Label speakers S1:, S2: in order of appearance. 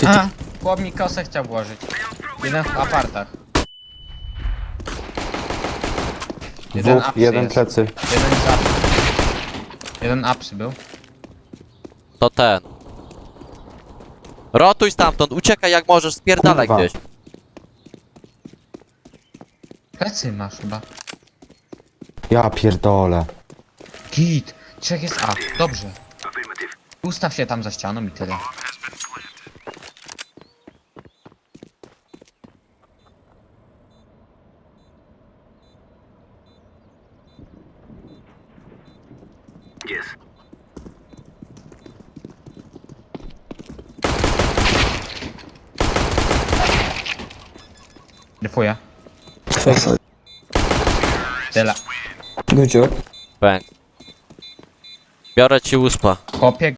S1: A, chłop mi kosę chciał włożyć. Jeden w apartach. Jeden
S2: Dwóch,
S1: apsy
S2: jeden
S1: jest.
S2: plecy.
S1: Jeden z apsy. Jeden apsy był.
S3: To ten. Rotuj stamtąd, uciekaj jak możesz, spierdalaj
S2: Kurwa.
S3: gdzieś.
S1: Plecy masz chyba.
S2: Ja pierdolę.
S1: Git. Trzech jest A. Dobrze. Ustaw się tam za ścianą i tyle. Defuję. Tyle.
S4: Good job.
S3: Bang. Biorę ci uspa.
S1: Chłopie,